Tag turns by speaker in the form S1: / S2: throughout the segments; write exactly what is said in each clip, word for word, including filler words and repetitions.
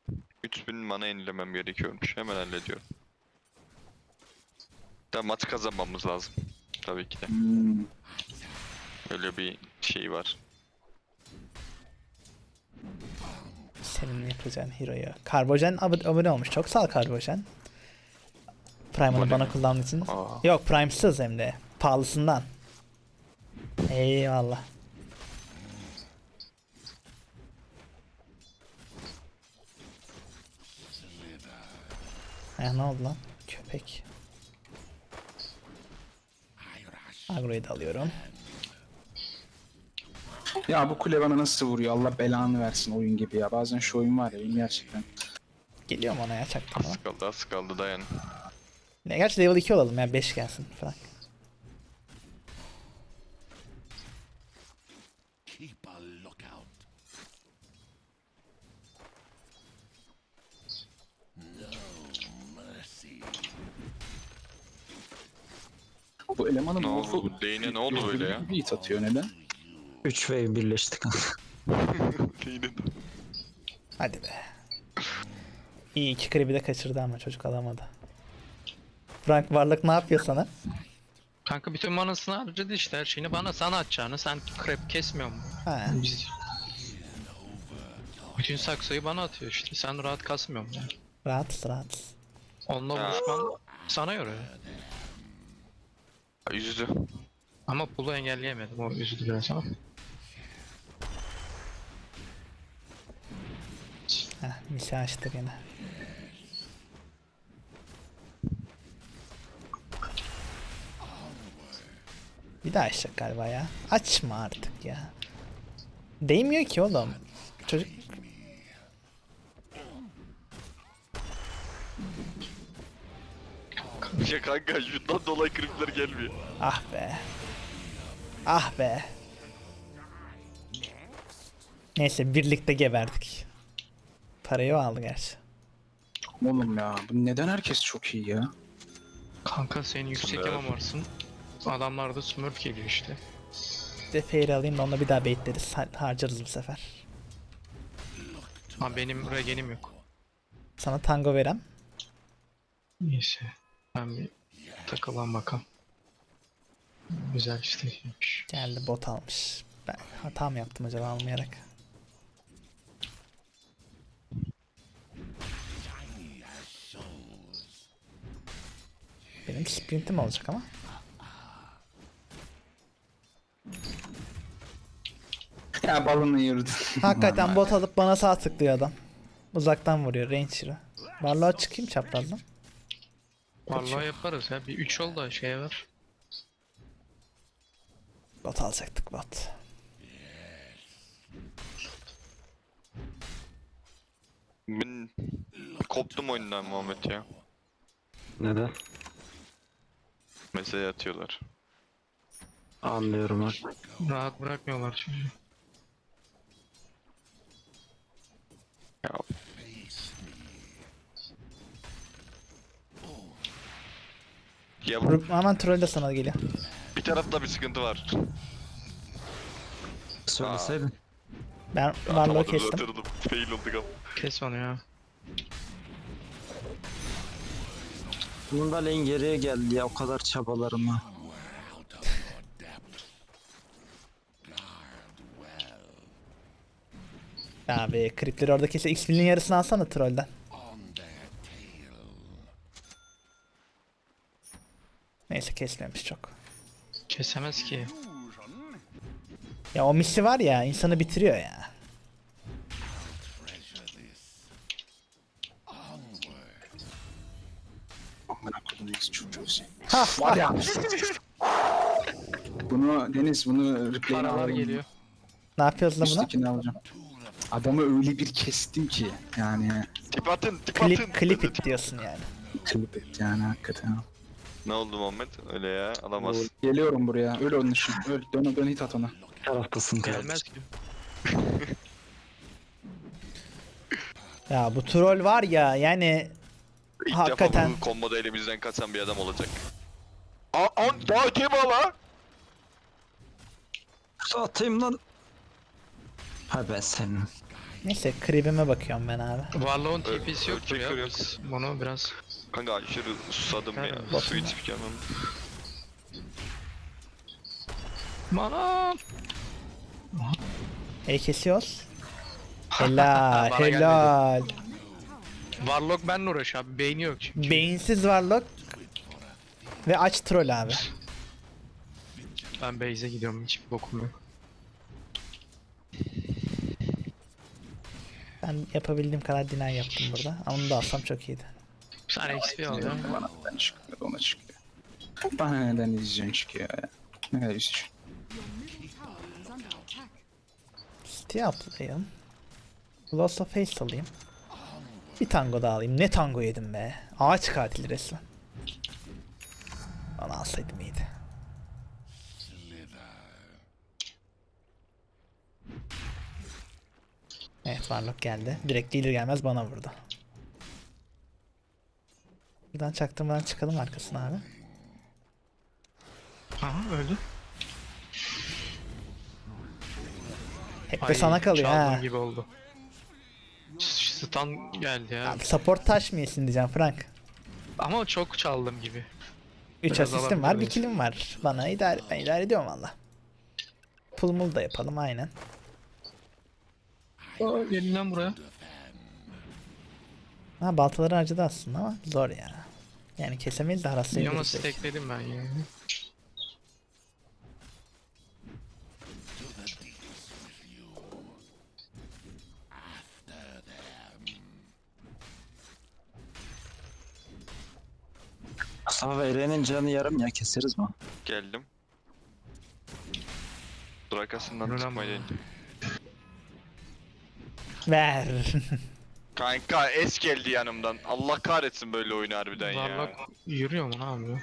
S1: üç bin mana yenilemem gerekiyormuş. Hemen hallediyorum. Da maç kazanmamız lazım. Tabii ki de.
S2: Hmm.
S1: Öyle bir şey var.
S3: Senin yapacağın hero'yu. Karbojen ab- abone olmuş. Çok sağ ol Karbojen. Prime'ını
S1: Abone
S3: bana
S1: mi?
S3: kullandığın için.
S1: Aa.
S3: Yok Prime'sız hem de. Pahalısından. Eyvallah. Ya ne oldu lan? Köpek. Agro'yu da alıyorum.
S2: Ya bu kule bana nasıl vuruyor? Allah belanı versin oyun gibi ya. Bazen şu oyun var ya benim gerçekten.
S3: Geliyorum ona ya çaktırma.
S1: Az kaldı az kaldı dayan.
S3: Ne gerçi level iki olalım ya beş gelsin falan.
S4: Keep a lookout. No mercy.
S2: Bu elemanın
S1: Ne
S2: morfu
S1: oldu? Lane'e ne oldu böyle ya?
S2: Bir hit atıyor neden?
S5: üç wave birleştik.
S1: Lane'e
S3: Hadi be. İyi iki creep'i de kaçırdı ama çocuk alamadı. Frank Varlık ne yapıyor sana?
S6: Kanka bütün manasını harcadı işte her şeyini bana sana atacağını sen krep kesmiyor mu?
S3: Ha.
S6: Biz... Bütün saksıyı bana atıyor işte sen rahat kasmıyor musun? Yani?
S3: Rahat rahat.
S6: Onunla
S1: Ha.
S6: vuruşman sana göre.
S1: üzdü.
S6: Ama pulu engelleyemedim o üzdü biraz ama.
S3: Heh, misi açtı gene. Bir daha açacak galiba ya. Açma artık ya. Değmiyor ki oğlum. Çocuk
S1: Ya kanka şundan dolayı kripler gelmiyor.
S3: ah be. Ah be. Neyse birlikte geberdik. Parayı o aldı gerçi.
S2: Oğlum ya bu neden herkes çok iyi ya?
S6: Kanka sen yüksek
S1: Smurf.
S6: yamam varsın. Adamlarda smurf geliyor işte.
S3: Bir de fair alayım da onunla bir daha baitleriz. Ha- harcarız bu sefer.
S6: Ama benim regenim yok.
S3: Sana tango verem.
S6: Neyse. Ben bir takılan bakalım. Güzel işte.
S3: Geldi bot almış. Ben hata mı yaptım acaba almayarak? Benim sprintim olacak ama.
S2: Ya balını yırdı.
S3: Hakikaten bot alıp bana sağ tıklıyor adam. Uzaktan vuruyor range hero. Varlığa çıkayım çaprazdan.
S6: Vallahi yaparız ya. Bir üç ol da şeye ver.
S3: Bot alacaktık bot.
S1: Ben koptum oyundan Muhammed ya.
S5: Neden?
S1: Mesaj atıyorlar.
S5: Anlıyorum ha.
S6: Rahat bırakmıyorlar şimdi.
S1: Ya. Ya bu
S3: Rup- Aman troll de sana geliyor.
S1: bir tarafta bir sıkıntı var.
S5: Söyleseydin.
S3: Ben varlığı
S1: Atamadım,
S3: kestim.
S1: atıyordum. Fail olduk ama.
S6: Kes onu ya.
S5: Bunun da lane geriye geldi ya o kadar çabalarıma.
S3: Abi kripleri orada kese X P'nin yarısını alsana trollden. Neyse kesmemiş çok.
S6: Kesemez ki.
S3: Ya o misi var ya insanı bitiriyor ya.
S2: Amına koyayım neyse çocuğu sen.
S3: Ha
S2: Var ya. Bunu Deniz bunu replay'ini
S6: Paralar
S2: alalım.
S6: geliyor.
S3: Ne yapıyoruz lan buna?
S2: Üsttekini alacağım. Adamı öyle bir kestim ki yani
S1: Tip atın, tip atın.
S3: Clip, clip it diyorsun yani.
S2: klip et yani hakikaten.
S1: Ne oldu Muhammed? Öyle ya, alamaz.
S2: Geliyorum buraya. Öl onun için. Öl. Dön dön hit at ona.
S5: Taraftasın
S6: Gelmez
S5: kardeşim.
S6: ki.
S3: Ya bu troll var ya yani
S1: İlk
S3: hakikaten.
S1: defa bu komboda elimizden kaçan bir adam olacak. Aa, an, daha öteye mi ala?
S5: Atayım lan. Ha ben senin.
S3: Neyse creep'ime bakıyorum ben abi.
S6: Warlock'un
S1: Ö-
S6: T P'si yoktur ya.
S1: ölçekleri yok.
S6: Biz bunu biraz...
S1: Kanka aşırı susadım ya.
S6: Aynen.
S1: Su içip gelmem.
S6: Mana!
S3: E kesiyoruz. Helal
S6: Bana
S3: helal.
S6: Warlock benle uğraş abi. Beyni yok çünkü.
S3: Beyinsiz varlık. Ve aç troll abi.
S6: Ben base'e gidiyorum. Hiçbir bokum yok.
S3: Ben yapabildiğim kadar deny yaptım burada. Ama onu da alsam çok iyiydi.
S6: Bir tane X P alacağım.
S2: Bana neden çıkmıyor, ona çıkıyor. Bana neden izleyeceksin çıkıyor ya. Ne kadar üzücü.
S3: City atlayayım. Lost of Haste alayım. Bir tango daha alayım. Ne tango yedim be. Ağaç katili resmen. Onu alsaydım iyiydi. Evet Warlock geldi. Direkt gelir gelmez bana vurdu. Buradan çaktırmadan çıkalım arkasına abi.
S6: Aha öldü.
S3: Hep de
S6: Ay,
S3: sana kalıyor
S6: çaldığım
S3: ha.
S6: gibi oldu. Stun geldi ya.
S3: Abi support taş mı yesin diyeceğim Frank.
S6: Ama çok çaldım gibi.
S3: üç
S6: Biraz
S3: asistim var, bir
S6: alabiliriz.
S3: killim var. Bana idare, ben idare ediyorum valla. Pulmul da yapalım aynen.
S6: Aa, gelin lan buraya.
S3: Ha baltaları harcadı aslında ama zor ya. Yani kesemeyiz de
S6: Ama
S3: haraslayabiliriz. belki.
S6: stackledim ben ya.
S5: Mustafa ve Eren'in canı yarım ya, keseriz mi?
S1: Geldim. Dur arkasından
S6: Yürü lan
S1: çıkmayı
S6: bana.
S1: denedim.
S3: Ver.
S1: Kanka es geldi yanımdan. Allah kahretsin böyle oyunu harbiden ya.
S6: Warlock yürüyor mu ne yapıyor?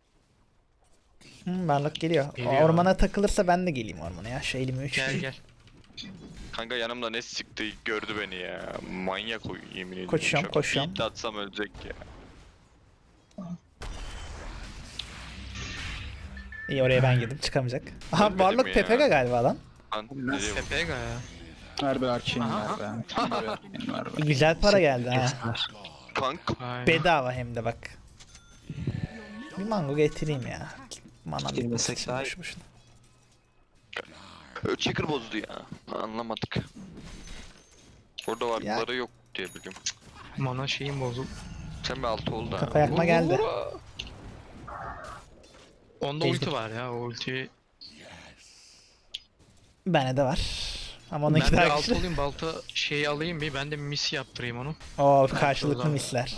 S3: Hmm, varlık geliyor.
S6: Geliyor.
S3: Ormana takılırsa ben de geleyim ormana ya. Şu elimi üç.
S6: Gel gel.
S1: Kanka yanımda ne sıktı gördü beni ya. Manyak o yemin ediyorum.
S3: Koşuyorum,
S1: Çok
S3: koşuyorum.
S1: beat atsam ölecek ya.
S3: İyi oraya ben girdim çıkamayacak. Aha
S1: Ölmedim
S3: varlık
S1: ya.
S3: P P G galiba lan.
S1: Lan nereye bak-
S6: Tepega ya.
S2: Ver bir arcane
S6: Aha.
S2: ver be. Ver bir arcane ver be.
S3: Güzel para geldi ha.
S5: Kestiler.
S1: Kanka
S6: Aynen.
S3: Bedava hem de bak. Bir mango getireyim ya. Manam
S5: Girmesek
S3: bitmesin
S5: daha iyi.
S3: boşu boşuna.
S1: Checker bozdu ya. Anlamadık. Orada varlıkları yok diye biliyorum.
S6: Mana şeyim bozuldu.
S1: Sen bir altı oldu ha.
S3: Kafa yakma geldi.
S6: Onda
S3: Ejder.
S6: ulti var ya, o ulti.
S3: Bende de var. Ama
S6: Ben
S3: onunki
S6: de
S3: daha
S6: alt
S3: güçlü.
S6: olayım, balta şeyi alayım bir, ben de mis yaptırayım onu.
S3: Oo karşılıklı
S6: Şuradan.
S3: misler.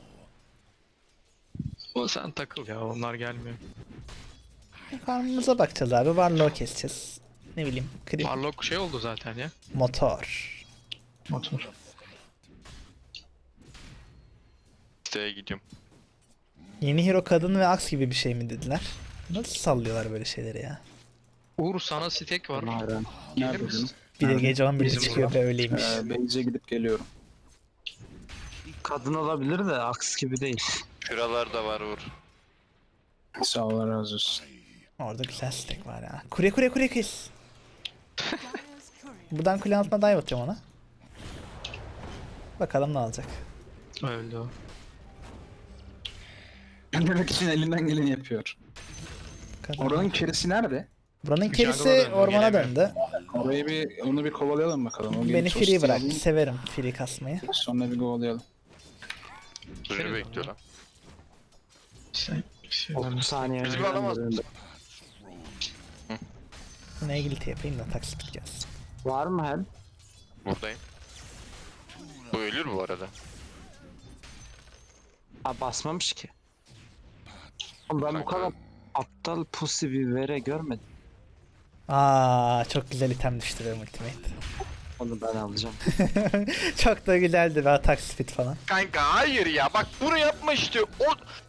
S6: O sen takıl ya, onlar gelmiyor.
S3: Farmımıza bakacağız abi. Varlığı keseceğiz. Ne bileyim. Krip.
S6: Warlock şey oldu zaten ya.
S3: Motor.
S6: Motor.
S1: Siteye gidiyorum.
S3: Yeni hero kadın ve aks gibi bir şey mi dediler? Nasıl sallıyorlar böyle şeyleri ya?
S6: Uğur sana stack var.
S5: Eren.
S6: Gelir
S2: Nerede
S6: misin?
S3: Bir de gece on birde
S6: Bizim
S3: çıkıyor ve öyleymiş.
S2: Ee, Beyze gidip geliyorum.
S5: Kadın olabilir de aks gibi değil.
S1: Şuralar da var Uğur.
S2: Sağ ol, Allah razı olsun.
S3: Orada güzel stack var ya. Kure kure kure kes. Buradan kule altına dive atacağım ona. Bakalım ne olacak.
S6: Öldü o.
S2: Demek için elinden geleni yapıyor.
S3: Kadın.
S2: Oranın kerisi nerede?
S3: Buranın
S6: Jungle'a
S3: kerisi
S6: döndü,
S3: ormana
S6: gelemiyor.
S3: döndü.
S2: Orayı bir, onu bir kovalayalım bakalım. O
S3: Beni
S2: gelip
S3: free
S2: tosti
S3: bıraktı.
S2: alayım,
S3: Severim free kasmayı.
S2: Sonra bir kovalayalım.
S1: Duruyor
S6: Şey
S1: bekliyor lan.
S6: Sen, şey,
S5: otuz saniye
S1: Bizi
S5: önce
S1: alamaz.
S5: döndü.
S3: Buna ilgili yapayım da taksit biteceğiz.
S5: Var mı hel?
S1: Buradayım. Bu ölür bu arada.
S5: Aa, basmamış ki. Oğlum ben bu
S1: Kanka.
S5: kadar aptal pussy bir vere görmedim.
S3: Aa çok güzel item düştü benim ultimate.
S5: Onu ben alacağım.
S3: Çok da güzeldi be atak speed falan.
S1: Kanka hayır ya bak bunu yapma işte. O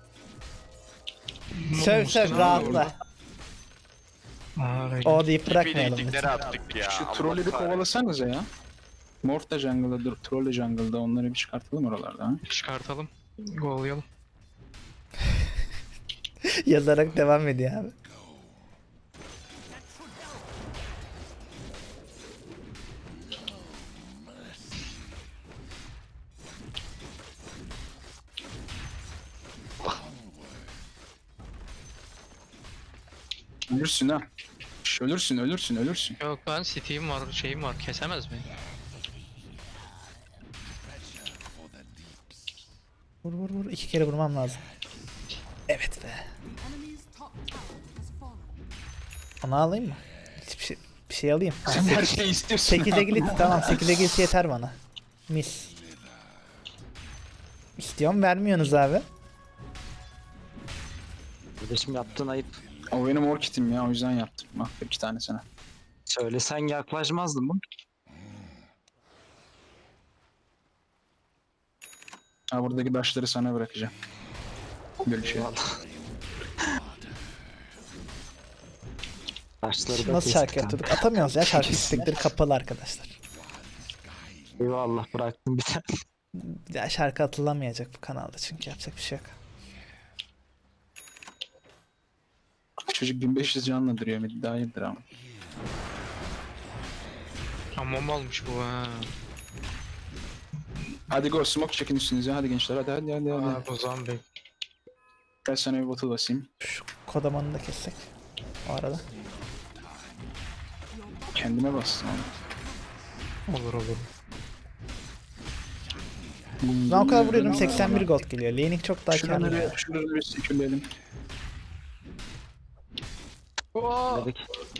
S3: Söv söv rahatla.
S6: Aa, öyle.
S3: O deyip bırakmayalım
S1: biriktikleri
S3: lütfen.
S1: attık ya.
S2: Şu
S1: Allah
S2: trolleri bir
S1: kahretsin.
S2: kovalasanıza ya. Morph da jungle'da, dur, troll de jungle'da, onları bir çıkartalım oralarda ha.
S6: Çıkartalım. Go'layalım.
S3: Yazarak devam ediyor abi.
S2: Ölürsün ha. Şş, Ölürsün ölürsün ölürsün.
S6: Yok ben City'im var, şeyim var. Kesemez beni.
S3: Vur vur vur. İki kere vurmam lazım. Evet be.
S7: Enemy's top tower has fallen.
S3: Onu alayım mı? Hiçbir şey, bir şey alayım.
S2: Sen her şeyi istiyorsun.
S3: sekiz
S2: ha.
S3: agility tamam. sekiz agility yeter bana. Mis. İstiyorum vermiyorsunuz abi.
S5: Kardeşim yaptığın ayıp.
S2: O benim orkitim ya o yüzden yaptım. Bak iki tane sana.
S5: Söylesen yaklaşmazdım mı?
S2: Ha buradaki taşları sana bırakacağım. Böyle şey.
S5: Taşları da
S3: Nasıl
S5: kestik
S3: şarkı
S5: kanka.
S3: yapıyorduk? Atamıyoruz ya. Şarkı istekleri kapalı arkadaşlar.
S5: Eyvallah bıraktım bir tane.
S3: Bir daha şarkı atılamayacak bu kanalda çünkü yapacak bir şey yok.
S2: Çocuk bin beş yüz canla duruyor. Bir daha hayırdır ama.
S6: Hamam almış bu ha.
S2: Hadi go smoke çekin üstünüze. Hadi gençler hadi hadi hadi. hadi.
S6: Aa, bu zombi.
S2: Gel sana bir bottle basayım.
S3: Şu kodamanı da kessek. O arada.
S2: Kendime bastım ama.
S6: Olur olur.
S3: Ben o kadar vuruyorum seksen bir gold geliyor. Laning çok daha
S2: Şuraları
S3: karlı. ya.
S2: bir, şuraları bir sekürleyelim.
S5: Dedik.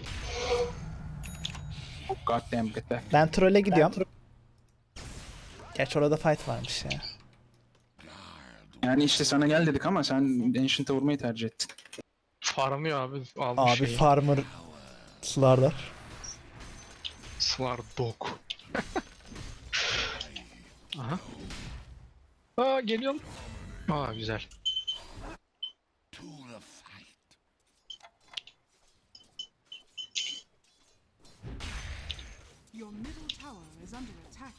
S2: God damn get back.
S3: Ben trolle gidiyorum. Gerçi orada fight varmış ya.
S2: Yani işte sana gel dedik ama sen Ancient'a vurmayı tercih ettin.
S6: Farmıyor abi. Almış
S3: Abi
S6: şeyi.
S3: farmer sularlar.
S6: Slar dog. Aha. Aa geliyorum. Aa güzel.
S4: To the fight.
S7: Your middle tower is under attack.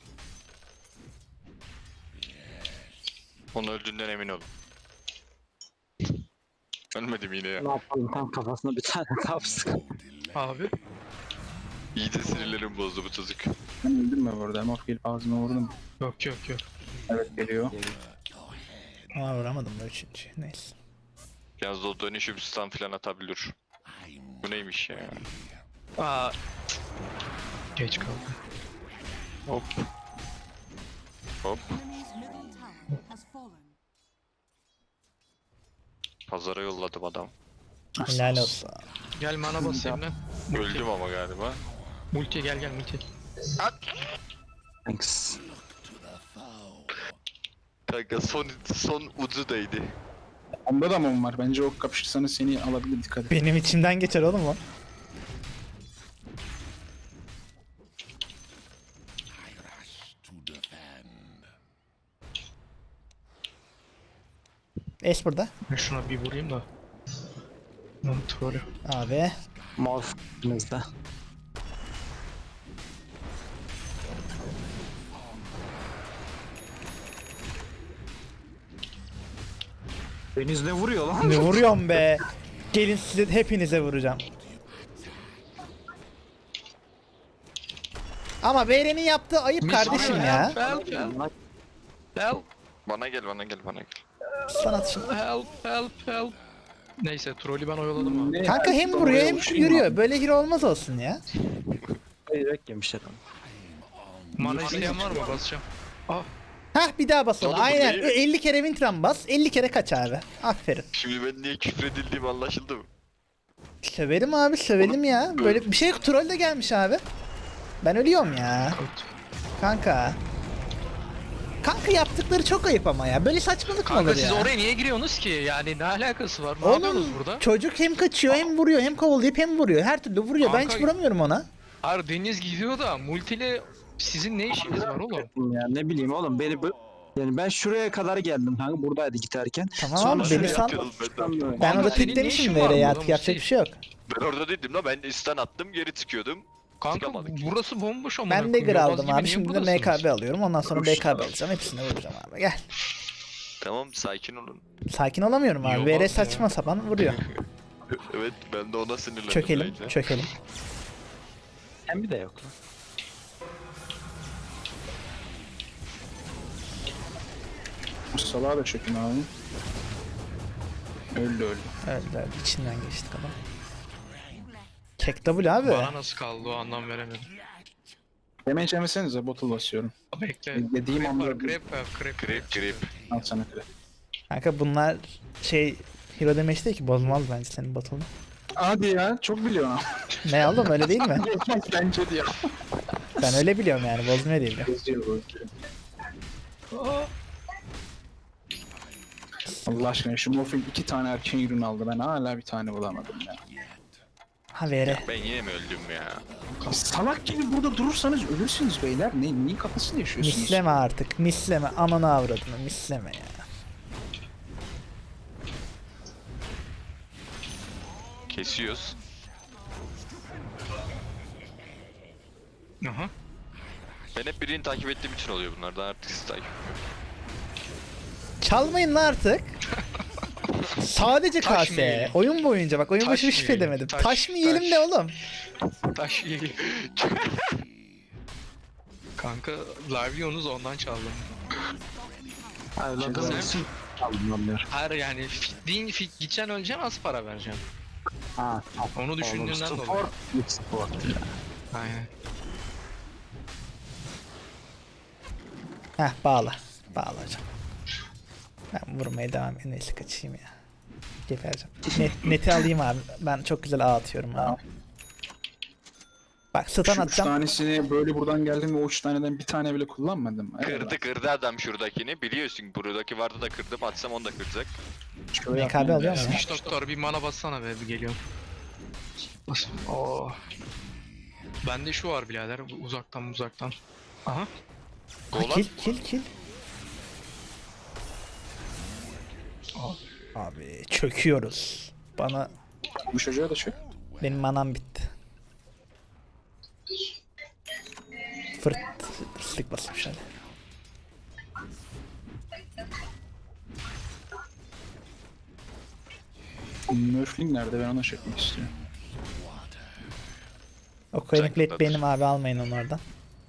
S1: Onun öldüğünden emin olun. Ölmedim yine ya.
S5: Ne yapalım tam kafasına bir tane kapsın.
S6: Abi.
S1: İyi de sinirlerim bozdu bu çocuk.
S2: Ben öldüm mü bu arada? Morph gelip ağzıma vurdum.
S6: Yok yok yok.
S2: Evet geliyor.
S3: Ama vuramadım da üçüncü. Neyse.
S1: Yalnız o dönüşüm stun falan atabilir. Bu neymiş ya?
S6: Aa. Geç kaldım.
S1: Hop. Hop.
S7: Enemy's middle tower has fallen.
S1: Pazara yolladım adam.
S3: Helal olsun.
S6: Gel mana basayım lan. Multi.
S1: Öldüm ama galiba.
S6: Multi gel gel multi.
S5: Thanks.
S1: Kanka son son ucu değdi.
S2: Onda da mum var. Bence o kapışırsanız seni alabilir dikkat et.
S3: Benim içimden geçer oğlum o.
S4: To defend.
S3: Ace burada.
S6: Ben şuna bir vurayım da. Lan trollü.
S3: Abi.
S5: Morph bizde. Deniz ne vuruyor lan?
S3: Ne vuruyorum be. Gelin size hepinize vuracağım. Ama Beyren'in yaptığı ayıp kardeşim ya.
S6: Help help help
S1: Bana gel bana gel bana gel.
S3: Sanat şimdi.
S6: help help help. Neyse trollü ben oyaladım abi.
S2: Ne
S3: Kanka
S2: ya?
S3: hem vuruyor hem
S2: Uçayım
S3: yürüyor.
S2: abi.
S3: Böyle hero olmaz olsun ya.
S5: Yürek yemiş adam.
S6: Mana isteyen var mı? Basacağım. Ah.
S3: Hah bir daha basalım.
S1: Oğlum bu
S3: Aynen.
S1: değil.
S3: elli kere Wintram bas. elli kere kaç abi. Aferin.
S1: Şimdi ben niye küfredildiğim anlaşıldı mı?
S3: Söverim abi sövelim ya. Böyle bir şey yok. Troll de gelmiş abi. Ben ölüyorum ya. Kanka. Kanka yaptıkları çok ayıp ama ya. Böyle saçmalık mı
S6: Kanka
S3: olur
S6: siz
S3: ya?
S6: oraya niye giriyorsunuz ki? Yani ne alakası var? Ne yapıyorsunuz
S3: Oğlum
S6: burada?
S3: çocuk hem kaçıyor hem vuruyor hem kovalayıp hem vuruyor. Her türlü vuruyor. Ben hiç
S6: Kanka-
S3: vuramıyorum ona.
S6: Hayır Deniz gidiyor da multiyle sizin ne işiniz var oğlum?
S5: Ya ne bileyim oğlum beni bö- yani ben şuraya kadar geldim kanka buradaydı giderken.
S3: Tamam
S5: Sonra
S3: abi
S5: şuraya
S3: beni sal.
S1: Yatıyoruz ben de.
S3: Ben
S6: Kanka
S3: orada
S6: senin ne
S3: teklemişim
S6: işin
S3: böyle
S6: var
S3: ya.
S6: burada
S3: Artık yapacak bir şey yok.
S1: Ben orada değildim la ben stun attım geri çıkıyordum.
S6: Kanka
S1: Çıkamadık.
S6: burası bomboş ama.
S3: Ben Dagger aldım abi. Şimdi de M K B alıyorum. Ondan sonra B K B alacağım. Hepsini vuracağım abi. Gel.
S1: Tamam sakin olun.
S3: Sakin olamıyorum abi.
S6: Yok
S3: V R
S6: ya.
S3: saçma sapan vuruyor.
S1: Evet ben de ona sinirlendim.
S3: Çökelim.
S1: bence.
S3: Çökelim.
S5: Hem bir de yok lan.
S2: Bu salağa da çökün abi. Öldü öldü.
S3: Öldü öldü. İçinden geçtik adam. Kek W abi.
S6: Bana nasıl kaldı o anlam veremedim.
S2: Damage yemesenize bottle basıyorum.
S6: Bekle.
S2: Dediğim
S6: Krep
S2: anda
S6: var, krep var, krep.
S1: Grip grip.
S2: al sana krep.
S3: Kanka bunlar şey hero damage değil ki, bozmaz bence senin botunu.
S2: Hadi ya çok biliyorsun ama.
S3: Ne oğlum, öyle değil mi?
S2: Bence diyor.
S3: Ben öyle biliyorum yani, bozmuyor diye biliyorum.
S2: Geziyor bozuyor. Allah aşkına şu Morphing iki tane erken ürün aldı. Ben hala bir tane bulamadım ya.
S3: Ha vere.
S1: Ben yine mi öldüm ya?
S2: Salak gibi burada durursanız ölürsünüz beyler. Ne, neyin kafasını yaşıyorsunuz?
S3: Misleme artık, misleme. Ananı avradını misleme ya.
S1: Kesiyoruz.
S6: Aha.
S1: Ben hep birini takip ettiğim için oluyor bunlardan, artık sizi takip etmiyorum.
S3: Çalmayın lan artık. Sadece
S6: Taş
S3: K
S6: mı
S3: S.
S6: yiyelim?
S3: Oyun boyunca bak, oyun
S6: Taş
S3: başı
S6: mı
S3: bir şey
S6: yiyelim?
S3: demedim.
S6: Taş,
S3: Taş, mı yiyelim
S6: taş.
S3: de oğlum?
S6: Taş yiyelim. Kanka Larvion'uz ondan çaldım.
S5: Evladın
S6: Sen-
S5: için aldım onları.
S6: Hayır yani fitliğin fit gideceksin öleceksin, az para vereceksin.
S5: Ha,
S6: Onu düşündüğünden dolayı.
S5: Support, mid support.
S6: Aynen.
S3: Heh, bağla. Bağla hocam. Ben vurmaya devam edeyim. Neyse kaçayım ya. Gebereceğim. Net, neti alayım abi. Ben çok güzel ağ atıyorum abi. Bak stun
S2: Şu üç
S3: atacağım.
S2: tanesini böyle buradan geldim ve o üç taneden bir tane bile kullanmadım.
S1: Kırdı kırdı adam şuradakini. Biliyorsun buradaki vardı da kırdım. Atsam onu da kıracak.
S3: M K B alıyor mu ya?
S6: Üç doktor bir mana bassana be, bir geliyorum. Bas. Oo. Bende şu var birader, uzaktan uzaktan. Aha.
S3: Ha,
S1: Golan.
S3: kill kill kill. Abi çöküyoruz. Bana
S2: Bu çocuğa da çök.
S3: benim manam bitti. Fırt ıslık basmış hadi.
S2: Nerfling nerede? Ben ona çekmek istiyorum.
S3: O coin plate
S1: Jungle'dadır.
S3: benim abi, almayın onu oradan.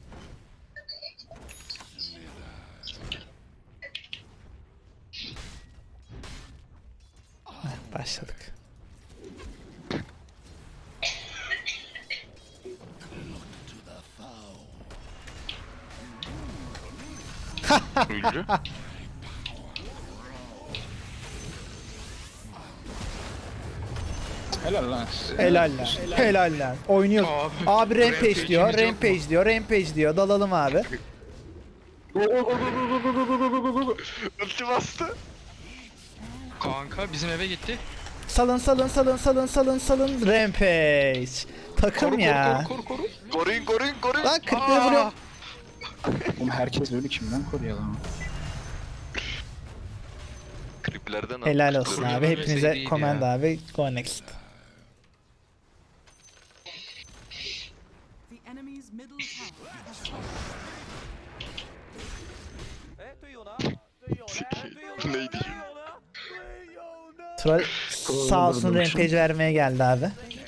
S3: Heh, başladık.
S1: Ünlü.
S2: Helal lan size.
S3: Helal lan. Helal lan. Oynuyor.
S6: Abi,
S3: Abi rampage
S6: rampage'imiz
S3: diyor.
S6: yok mu?
S3: Rampage diyor. Rampage diyor. Dalalım abi.
S1: Ulti bastı.
S6: Kanka bizim eve gitti.
S3: Salın salın salın salın salın salın. Rampage. Takım
S6: Koru
S3: ya.
S6: koru koru koru.
S1: Koruyun koruyun koruyun.
S3: Lan kırkları vuruyorum.
S2: Oğlum herkes ölü, kimden koruyalım?
S1: Kriplerden
S3: Helal
S1: aldık.
S3: olsun
S1: Dur.
S3: abi. Hepinize
S6: iyiydi
S3: command
S6: ya.
S3: abi. Go next.
S7: The enemy's middle tower has
S1: Neydi?
S3: Troll sağ olsun
S5: Kullanılır
S3: rampage vermeye geldi abi.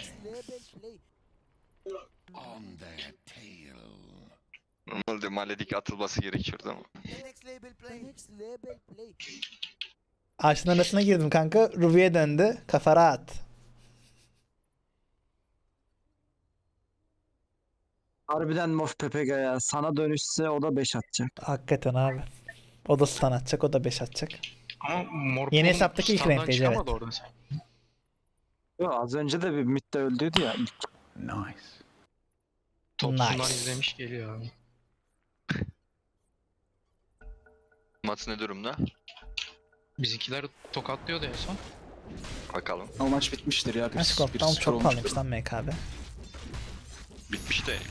S4: On their tail.
S1: Normalde Maledik atılması gerekiyordu ama.
S3: Ağaçın arasına girdim kanka. Ruby'ye döndü. Kafa rahat.
S5: Harbiden Mof Pepega ya. Sana dönüşse o da beş atacak.
S3: Hakikaten abi. O da stun atacak. O da beş atacak.
S6: Ama mor
S3: Yeni
S6: Pum
S3: hesaptaki ilk
S6: standdan
S3: rampage,
S6: çıkamadı
S3: evet.
S6: oradan sen.
S5: Yo, az önce de bir midde öldüydü ya. İlk
S6: Topsundan
S3: Nice.
S6: izlemiş geliyor abi.
S1: Maç ne durumda?
S6: Bizimkiler tokatlıyordu en son.
S1: Bakalım.
S2: O maç bitmiştir ya. Bir,
S3: Kaç
S2: bir
S3: koptu? Oğlum
S2: sıfır
S3: çok
S2: olmuştur.
S3: pahalıymış lan M K B.
S1: Bitmiş de.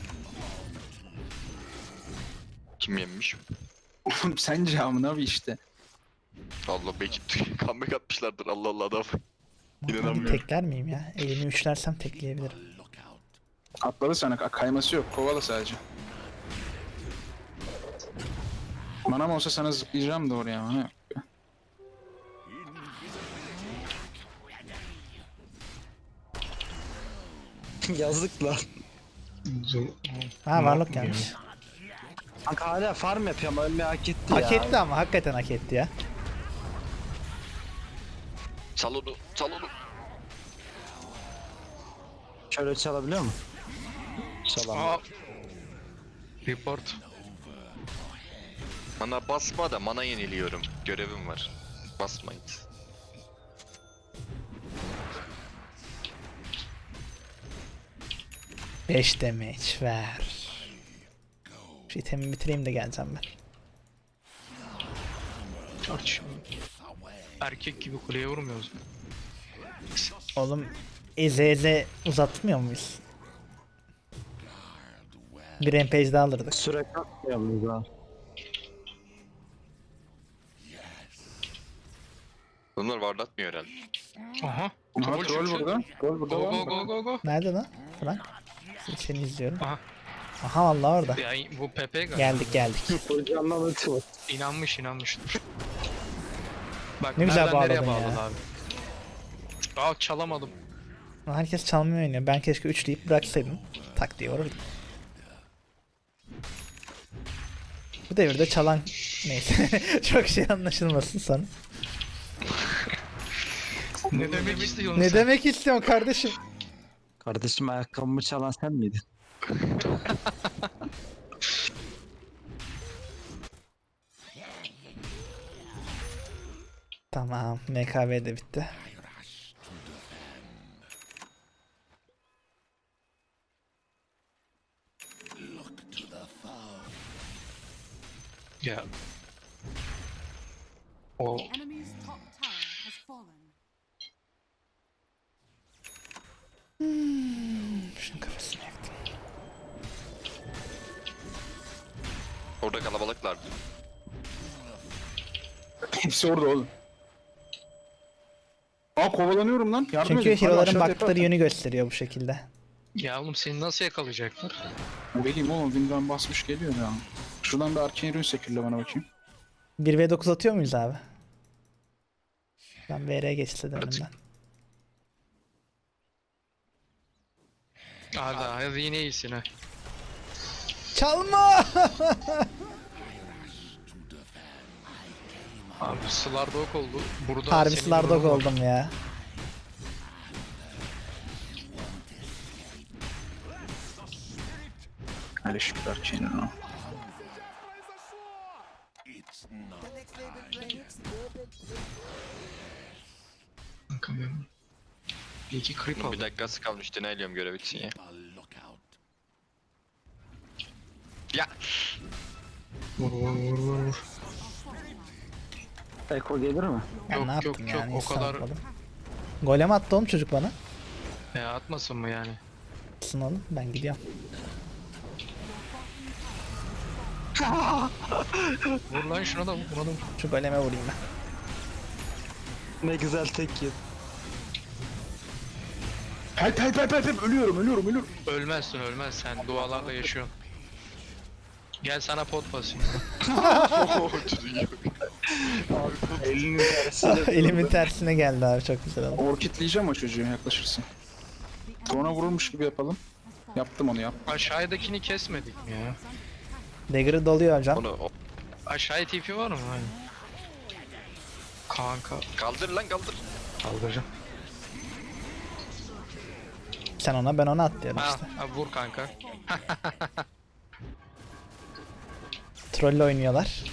S1: Kim yenmiş?
S2: Oğlum sence amına bir işte.
S1: Allah belki comeback atmışlardır. Allah Allah adam.
S3: Bir
S1: İnanamıyorum.
S3: tekler miyim ya? Elimi üçlersem tekleyebilirim.
S2: Atladı sana, kayması yok. Kovala sadece. Manam olsa sana zıplayacağım da oraya ama.
S5: Yazık lan.
S3: Ha varlık gelmiş.
S5: Kanka hala farm yapıyor ama ölmeyi hak etti ya.
S3: Hak etti ama hakikaten hak etti ya.
S1: Sal onu. Sal onu.
S5: Şöyle çalabiliyor mu? Çalamıyor.
S6: Aa. Report.
S1: Mana basma da mana yeniliyorum. Görevim var. Basmayın.
S3: beş damage ver. Şu itemi bitireyim de geleceğim ben.
S6: Tartışma. Erkek gibi kuleye vurmuyoruz.
S3: Oğlum eze eze uzatmıyor muyuz? Bir rampage daha alırdık.
S5: Sürekli atlayalım daha.
S1: Bunlar varlatmıyor herhalde.
S6: Aha.
S2: Aha
S6: Troll
S2: troll
S6: çıktı.
S2: burada. Troll burada
S6: Go
S2: var
S6: go
S2: mı?
S6: go go go.
S3: Nerede lan? Frank. Seni izliyorum.
S6: Aha.
S3: Aha vallahi orada.
S6: Ya bu Pepe galiba.
S3: Geldik geldik.
S5: Hocamdan ötü var.
S6: İnanmış inanmıştır. Bak
S3: Ne güzel
S6: nereden nereye
S3: bağladın
S6: bağladı
S3: ya.
S6: abi. Aa çalamadım.
S3: Herkes çalmaya oynuyor. Ben keşke üçleyip bıraksaydım. Tak diye vururdum. Bu devirde çalan neyse. Çok şey anlaşılmasın sonra.
S6: Ne demek istiyorsun
S3: Ne
S6: sen?
S3: demek istiyorsun kardeşim?
S5: Kardeşim ayakkabımı çalan sen miydin?
S3: Tamam. M K V de bitti.
S6: Ya. O
S7: The enemy's top tower has fallen.
S3: Şunun kafasını yaktım.
S1: Orada kalabalıklardı.
S2: Hepsi orada oğlum. Aa kovalanıyorum lan. Yardım
S3: Çünkü
S2: edin. Hadi
S3: hero'ların
S2: aşağı
S3: baktıkları
S2: tepe
S3: yönü gösteriyor bu şekilde.
S6: ya oğlum seni nasıl yakalayacaklar?
S2: atın. Bileyim oğlum Wind'den basmış geliyor ya. Şuradan bir Arcane Rune sekirle bana bakayım.
S3: bir ve dokuz atıyor muyuz abi? Ben V R geçti dedim
S6: At.
S3: ben.
S6: Hadi hadi yine iyisin ha.
S3: Çalma!
S6: Abi Slardog oldu. Burada
S3: Harbi
S6: senin
S3: Slardog
S6: yorumun var.
S3: oldum ya.
S2: Hele şükür Arcane Rune.
S4: It's not
S6: Kanka benim. Bir iki creep
S1: Bir
S6: aldım.
S1: dakikası kalmış. Deneyliyorum görev için ya.
S4: a lookout.
S1: Ya.
S6: Vur vur vur vur vur.
S5: Eko gelir mi?
S3: Ben
S6: Yok,
S3: ne
S6: yok,
S3: yaptım
S6: yok,
S3: yani?
S6: o
S3: Hiç
S6: kadar-
S3: sanmadım. Golem attı oğlum çocuk bana.
S6: Ya atmasın mı yani?
S3: Atsın oğlum ben gidiyorum.
S6: Vur lan şuna da vur, buna da vur.
S3: Şu goleme vurayım ben.
S5: Ne güzel tek yedi.
S2: Help help help help help. Ölüyorum ölüyorum ölüyorum.
S6: Ölmezsin ölmez sen dualarla yaşıyorsun. Gel sana pot basayım.
S5: Elinin tersiyle.
S3: Elimin tersine geldi abi çok güzel oldu.
S2: Orkitleyeceğim o çocuğu yaklaşırsın. Sonra vurulmuş gibi yapalım. Yaptım onu yap.
S6: Aşağıdakini kesmedik mi ya?
S3: Dagger'ı doluyor hocam.
S1: Onu o-
S6: Aşağıya T P var mı? Aynen. Kanka.
S1: kaldır lan kaldır.
S6: Kaldıracağım.
S3: Sen ona ben ona at diyorum
S6: Ha,
S3: işte.
S6: ha, vur kanka.
S3: Troll oynuyorlar.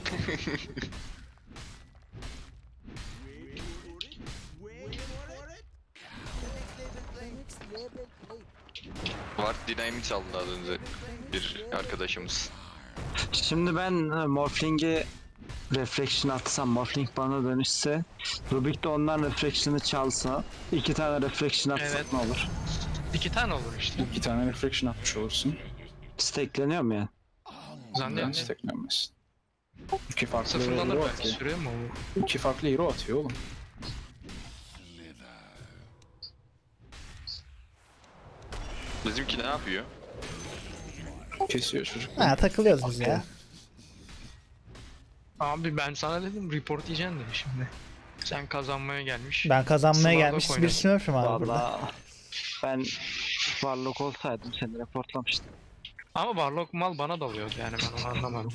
S1: Var dinamit çaldı az önce. Bir arkadaşımız.
S5: Şimdi ben e, Morphling'e Reflection atsam, Morphling bana dönüşse, Rubik de ondan Reflection'ı çalsa, iki tane Reflection atsak
S6: Evet.
S5: ne olur?
S6: İki tane olur işte.
S2: İki tane reflection atmış olursun.
S5: Stackleniyor mu ya?
S2: Ben
S6: Zannediyorum.
S2: steklenmez. İki farklı
S6: Sıfırlanır
S2: hero
S6: belki.
S2: atıyor.
S6: Sürüyor mu o?
S2: İki farklı hero atıyor oğlum.
S1: Bizimki ne yapıyor?
S2: Kesiyor çocuk.
S3: Ha takılıyoruz biz ya.
S6: Abi ben sana dedim report diyeceksin dedi şimdi. Sen kazanmaya gelmiş.
S3: Ben kazanmaya
S6: Slardog
S3: gelmiş bir
S6: oynadı.
S3: smurf'üm abi burada.
S5: Vallahi ben varlık olsaydım seni reportlamıştım.
S6: Ama Warlock mal bana dalıyordu yani ben onu anlamadım.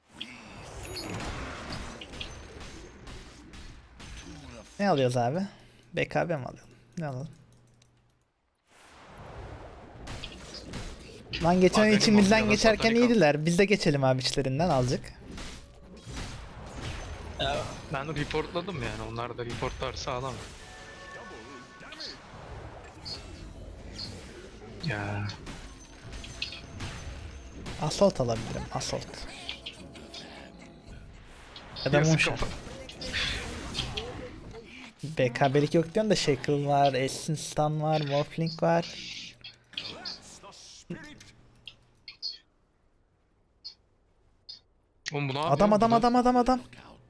S3: Ne alıyoruz abi? B K B mi alalım? Ne alalım? Lan geçen
S6: Abi
S3: ay
S6: benim
S3: içimizden
S6: Montreal'a
S3: geçerken
S6: Satanik al.
S3: iyiydiler. Biz de geçelim abi içlerinden azıcık.
S6: Ben reportladım yani. Onlar da reportlarsa alamam. Ya
S3: Assault alabilirim. Assault. Ya da
S6: yazık
S3: Moonshot.
S6: kafa.
S3: B K B'lik yok diyorsun da Shackle var, Essence Stun var, Morphling var.
S6: Oğlum bu ne yapıyor?
S3: Adam adam
S6: Bu da-
S3: adam adam adam.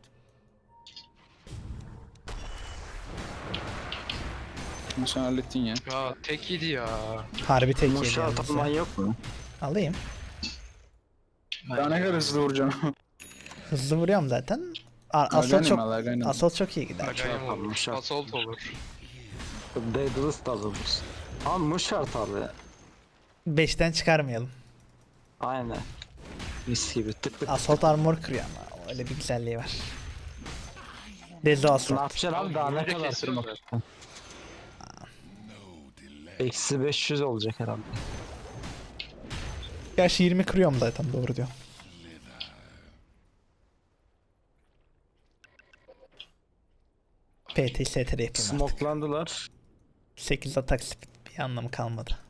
S2: Bunu sen hallettin ya.
S6: Ya tek yedi ya.
S3: Harbi tek yedi
S5: Muşa
S3: yalnız
S5: atman
S3: ya.
S5: yok mu?
S3: Alayım.
S2: Daha ne kadar hızlı vuracaksın?
S3: Hızlı vuruyorum zaten. A- Assault
S2: Aganim
S3: çok
S2: al, aganim.
S3: Assault çok iyi gider.
S6: Agayım
S5: yapalım,
S6: olur.
S5: şart.
S6: Assault olur.
S5: Daedalus da alınır. Ama Muşart abi.
S3: beşten çıkarmayalım.
S5: Aynen. Mis gibi tık tık.
S3: Assault armor kırıyor ama öyle bir güzelliği var. Dezo
S5: Ne
S3: Assault.
S5: yapacaksın abi
S6: Abi
S5: daha ne
S6: böyle
S5: kadar
S6: kesiyoruz
S5: tırmak? Eksi beş yüz olacak herhalde.
S3: Gerçi yirmi kırıyorum zaten doğru diyor. P T S T R yapayım artık.
S5: Smoklandılar.
S3: sekiz atak speed bir anlamı kalmadı.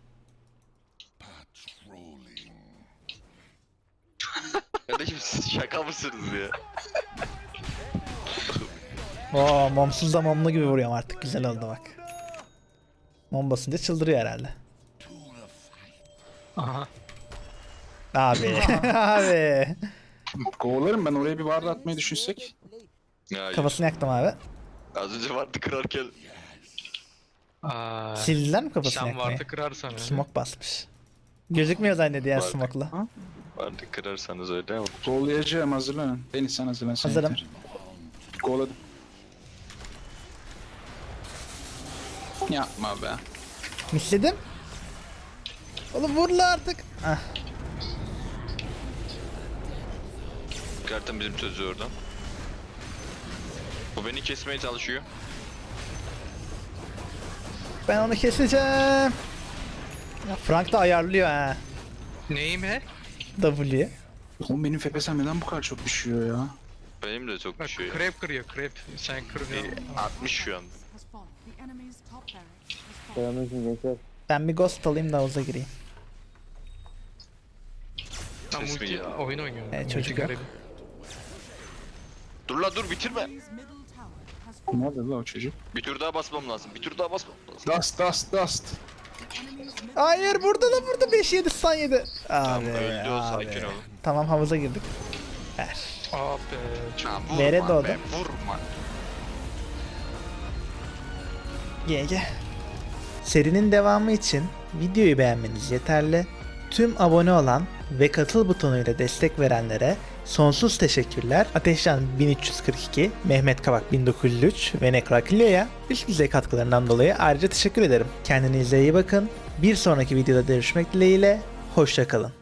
S1: Kardeşim siz şaka mısınız ya?
S3: Oo momsuz da momlu gibi vuruyorum artık güzel oldu bak. Mom basınca çıldırıyor herhalde.
S6: Aha.
S3: Abi abi.
S2: Kovalarım ben oraya bir vardı atmayı düşünsek.
S1: Ya
S3: Kafasını yaktım abi.
S1: az önce vardı kırarken
S6: Aa,
S3: Sildiler mi kafasını
S6: sen
S3: yakmayı?
S6: vardı kırarsan öyle.
S3: Smoke basmış. Gözükmüyor zannediyor ya
S1: Vardı.
S3: smoke'la.
S1: vardı kırarsanız öyle ama.
S2: Kovalayacağım hazırlanın. Deniz sen hazırlan. sen
S3: Hazırım.
S2: yeter. Kovaladım. Yapma be.
S3: Misledim. Oğlum vur la artık. Ah.
S1: Kartın bizim sözü oradan. Bu beni kesmeye çalışıyor.
S3: Ben onu keseceğim. Ya Frank da ayarlıyor ha.
S6: Neyim he?
S3: W.
S2: Oğlum benim F P S'm neden bu kadar çok düşüyor ya?
S1: Benim de çok
S6: Bak
S1: düşüyor.
S6: krep kırıyor krep. Sen kırmıyorsun.
S1: altmış şu an.
S7: Has fallen. The enemy's top barracks has fallen.
S3: Ben bir ghost alayım da havuza gireyim.
S6: Tam
S1: Ses mi
S6: multi
S1: geldi?
S6: oyun oynuyor.
S3: Evet,
S6: Multi
S3: çocuk yok.
S6: garip.
S1: Dur la dur bitirme.
S7: Enemy's middle tower has fallen.
S2: Ne oldu la o çocuk?
S1: Bir tur daha basmam lazım. Bir tur daha basmam lazım.
S2: Dust dust dust.
S7: Enemy's middle
S3: Hayır burada da burada beş yedi stun yedi.
S1: Tamam
S3: Abi
S1: öldü o
S3: abi.
S1: sakin ol.
S3: Tamam havuza girdik. Ver.
S6: Aa be. Çok...
S1: Ha, vurma
S3: Nereye doğdu?
S1: be, vurma.
S3: G G. Serinin devamı için videoyu beğenmeniz yeterli. Tüm abone olan ve katıl butonuyla destek verenlere sonsuz teşekkürler. Ateşcan bin üç yüz kırk iki, Mehmet Kavak bin dokuz yüz üç ve Nekrakilyo'ya üst düzey katkılarından dolayı ayrıca teşekkür ederim. Kendinize iyi bakın. Bir sonraki videoda görüşmek dileğiyle. Hoşça kalın.